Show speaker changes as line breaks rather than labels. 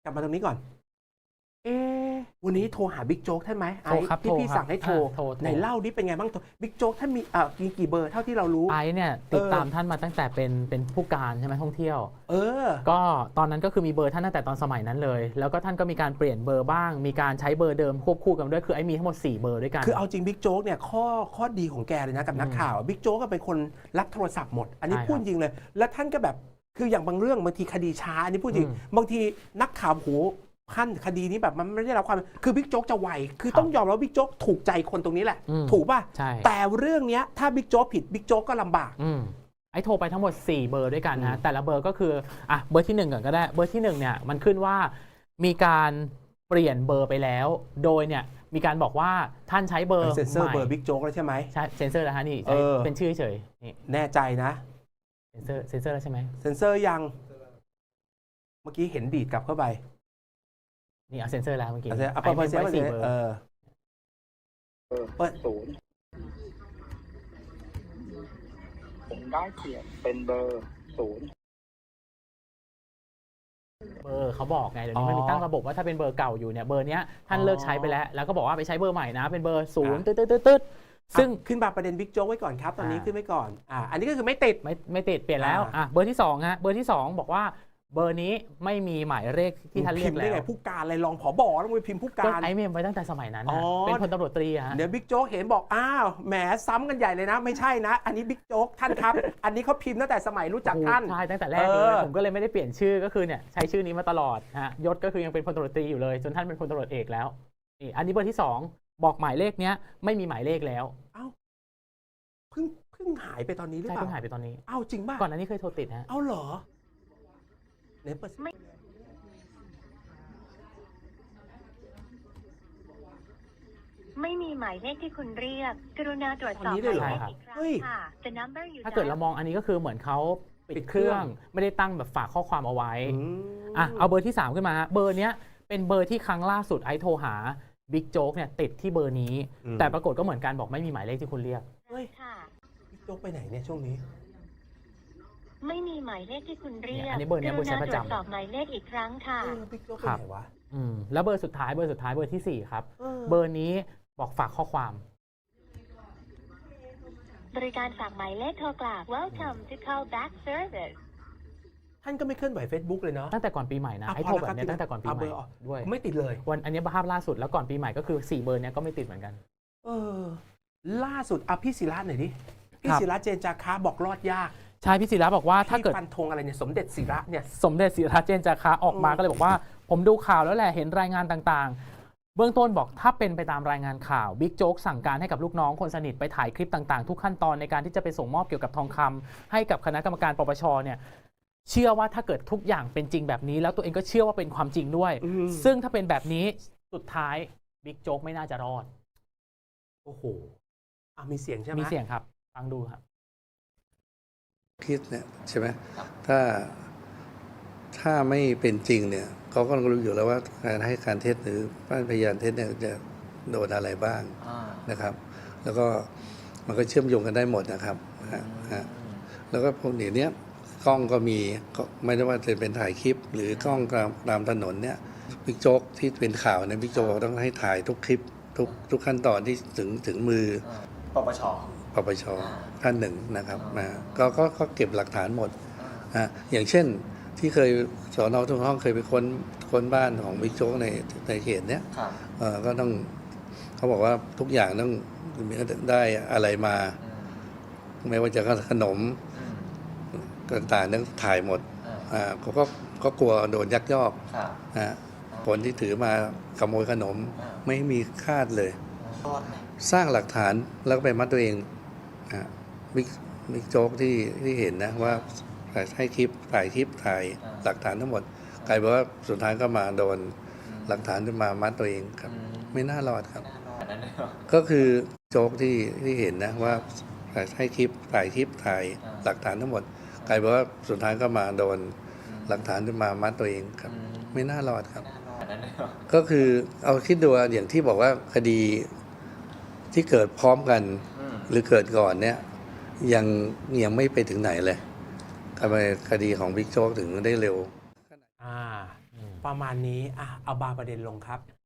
กลับมาตรงนี้ก่อนวันนี้โทรหาบิ๊กโจ๊กท่านไหมไอ้ที่พี่สั่งให้โทรไหนเล่าดิเป็นไงบ้างบิ๊กโจ๊กท่านมีกี่เบอร์เท่าที่เรารู้
ไอ้เนี่ยติดตามท่านมาตั้งแต่เป็นผู้การใช่ไหมท่องเที่ยวก็ตอนนั้นก็คือมีเบอร์ท่านตั้งแต่ตอนสมัยนั้นเลยแล้วก็ท่านก็มีการเปลี่ยนเบอร์บ้างมีการใช้เบอร์เดิมควบคู่กันด้วยคือไอ้มีทั้งหมด4เบอร์ด้วยกัน
คือเอาจริงบิ๊กโจ๊กเนี่ยข้อดีของแกเลยนะกับนักข่าวบิ๊กโจ๊กก็เป็นคนรับโทรศัพท์หมดอันนี้พูดจริงเลยแล้วท่านก็แบบคืออย่างบางเรื่องบางทีคดีช้าอันนี้พูดจริงบางทีนักข่าวโหขั้นคดีนี้แบบมันไม่ได้รับความคือบิ๊กโจ๊กจะไวคือต้องยอมรับบิ๊กโจ๊กถูกใจคนตรงนี้แหละถูกป่ะแต่เรื่องนี้ถ้าบิ๊กโจ๊กผิดบิ๊กโจ๊กก็ลำบาก
ไอ้โทรไปทั้งหมด4เบอร์ด้วยกันนะแต่ละเบอร์ก็คือเบอร์ที่1ก่อนก็ได้เบอร์ที่1เนี่ยมันขึ้นว่ามีการเปลี่ยนเบอร์ไปแล้วโดยเนี่ยมีการบอกว่าท่านใช้เบอร์
เซ็นเซอร์เบอร์บิ๊กโจ๊กแล้วใช่ไหม
ใช่เซ็นเซอร์แล้วฮะนี่เป็นชื่อเฉยนี่
แน่ใจนะ
เซ็นเซอร์แล้วใช่ไหม
เซ็นเซอร์ยังเมื่อกี้เห็นดีดกลับเข้าไป
นี่เอาเซ็นเซอร์แล้วเมื่อกี้
เอาไปเซ็นเซอร์
เปิด0ผมได้เปลี่ยนเป็นเบอร์0
เบอร์เขาบอกไงเดี๋ยวนี้มันมีตั้งระบบว่าถ้าเป็นเบอร์เก่าอยู่เนี่ยเบอร์นี้ท่านเลิกใช้ไปแล้วก็บอกว่าไปใช้เบอร์ใหม่นะเป็นเบอร์0ตึ๊ด
ซึ่งขึ้นมาประเด็นบิ๊กโจ๊กไว้ก่อนครับตอนนี้ขึ้นไว้ก่อนอันนี้ก็คือไม่ติด
เปลี่ยนแล้วเบอร์ที่2ฮะเบอร์ที่2บอกว่าเบอร์นี้ไม่มีหมายเลขที่ท่านเรียกแล้ว
ผู้การอะไรรองผบต้องไปพิมพ์ผู้การ
ไอ้เมมไว้ตั้งแต่สมัยนั้นเป็นพลตำรวจตรีฮะ
เดี๋ยวบิ๊กโจ๊กเห็นบอกแหมซ้ำกันใหญ่เลยนะไม่ใช่นะอันนี้บิ๊กโจ๊กท่านครับอันนี้เขาพิมพ์ตั้งแต่สมัยรู้จักท่าน
ใช่ตั้งแต่แรกเลยผมก็เลยไม่ได้เปลี่ยนชื่อก็คือเนี่ยใช้ชื่อนี้มาตลอดฮะยศก็คือยังเป็นพลตำรวจตรีอยู่เลยจนท่านเป็นพลตำรวจเอกแล้วนี่อันนี้เบอร์ที่2บอกหมายเลขเนี้ยไม่มีหมายเลขแล้ว
เพิ่งหายไปตอนนี้หรือเปล่า
เพิ่งหายไปตอนนี้
จริงป่ะ
ก่อนหน้านี้เคยโทรติดฮะ
เหรอเนี่ย
ไม่มีหมายเลขที่คุณเรียกกรุณาตรวจสอบหมายเลขอีกครั้งค่ะ The number you
ถ้าเกิดเรามองอันนี้ก็คือเหมือนเขาปิดเครื่องไม่ได้ตั้งแบบฝากข้อความเอาไว้เอาเบอร์ที่3ขึ้นมาเบอร์เนี้ยเป็นเบอร์ที่ครั้งล่าสุดไอโทรหาบิ๊กโจ๊กเนี่ยติดที่เบอร์นี้แต่ปรากฏก็เหมือนกันบอกไม่มีหมายเลขที่คุณเรียก
บิ๊กโจ๊กไปไหนเนี่ยช่วงนี้
ไม่มีหมายเลขที่คุณเรียก
อันนี้เบอร์นี้เบอร์ใช้ประจำ
ตรวจสอบหมายเลขอีกครั้งค่ะ
บิ๊กโจ๊กไปไหนวะ
แล้วเบอร์สุดท้ายเบอร์ที่4ครับเบอร์นี้บอกฝากข้อความ
บริการฝากหมายเลขโทรกลับ Welcome to call back service
ท่านก็ไม่เคลื่อนไหว Facebook เลยเนาะ
ตั้งแต่ก่อนปีใหม่นะไอ้โทรแบบนี้ตั้งแต่ก่อนปีใหม่ด้วย
ไม่ติดเลย
วันอันนี้ภาพล่าสุดแล้วก่อนปีใหม่ก็คือ4เบอร์นี้ก็ไม่ติดเหมือนกัน
ล่าสุดพี่ศิระหน่อยดิพี่ศิระเจนจาคะบอกรอดยาก
ใช่พี่ศิระบอกว่าถ้าเกิด
ฟันธงอะไรเนี่ยสมเด็จศิระเนี่ย
สมเด็จศิระเจนจาคะออกมาก็เลยบอกว่าผมดูข่าวแล้วแหละเห็นรายงานต่างๆเบื้องต้นบอกถ้าเป็นไปตามรายงานข่าวบิ๊กโจ๊กสั่งการให้กับลูกน้องคนสนิทไปถ่ายคลิปต่างๆทุกขั้นตอนในการที่จะไปส่งมอบเกี่ยวกับทองคำให้กับคณะกรรมการปปชเนี่ยเชื่อว่าถ้าเกิดทุกอย่างเป็นจริงแบบนี้แล้วตัวเองก็เชื่อว่าเป็นความจริงด้วยซึ่งถ้าเป็นแบบนี้สุดท้ายบิ๊กโจ๊กไม่น่าจะรอด
โอ้โหมีเสียงใช่ไหม
มีเสียงครับฟังดูครับ
คิดเนี่ยใช่ไหมถ้าไม่เป็นจริงเนี่ยเขาก็รู้อยู่แล้วว่าการให้การเท็จหรือพยานเท็จเนี่ยจะโดนอะไรบ้างนะครับ แล้วก็มันก็เชื่อมโยงกันได้หมดนะครับแล้วก็พวกนี้กล้องก็มีไม่ได้ว่าจะเป็นถ่ายคลิปหรือกล้องตามถนนเนี่ยบิ๊กโจ๊กที่เป็นข่าวเนี่ยบิ๊กโจ๊กต้องให้ถ่ายทุกคลิปทุกขั้นตอนที่ถึงมือ
ปปช
ท่านหนึ่งนะครับก็เก็บหลักฐานหมดอย่างเช่นที่เคยสน.ทุ่งห้องเคยไปค้นบ้านของบิ๊กโจ๊กในเขตเนี้ยก็ต้องเขาบอกว่าทุกอย่างต้องได้อะไรมาไม่ว่าจะขนมต่างๆต้องถ่ายหมดเขาก็กลัวโดนยักยอกคนที่ถือมาขโมยขนมไม่มีคาดเลยสร้างหลักฐานแล้วก็ไปมัดตัวเองบิ๊กโจ๊กที่เห็นนะว่าให้คลิปถ่ายหลักฐานทั้งหมดกลายเป็นว่าสุดท้ายก็มาโดนหลักฐานที่มามัดตัวเองครับไม่น่ารอดครับก็คือโจ๊กที่เห็นนะว่าให้คลิปถ่ายหลักฐานทั้งหมดกลายเป็นว่าสุดท้ายก็มาโดนหลักฐานที่มามัดตัวเองครับไม่น่ารอดครับก็คือเอาคิดดูอย่างที่บอกว่าคดีที่เกิดพร้อมกันหรือเกิดก่อนเนี่ยยังไม่ไปถึงไหนเลยทำไมคดีของบิ๊กโจ๊กถึงได้เร็ว
ประมาณนี้เอาบาร์ประเด็นลงครับ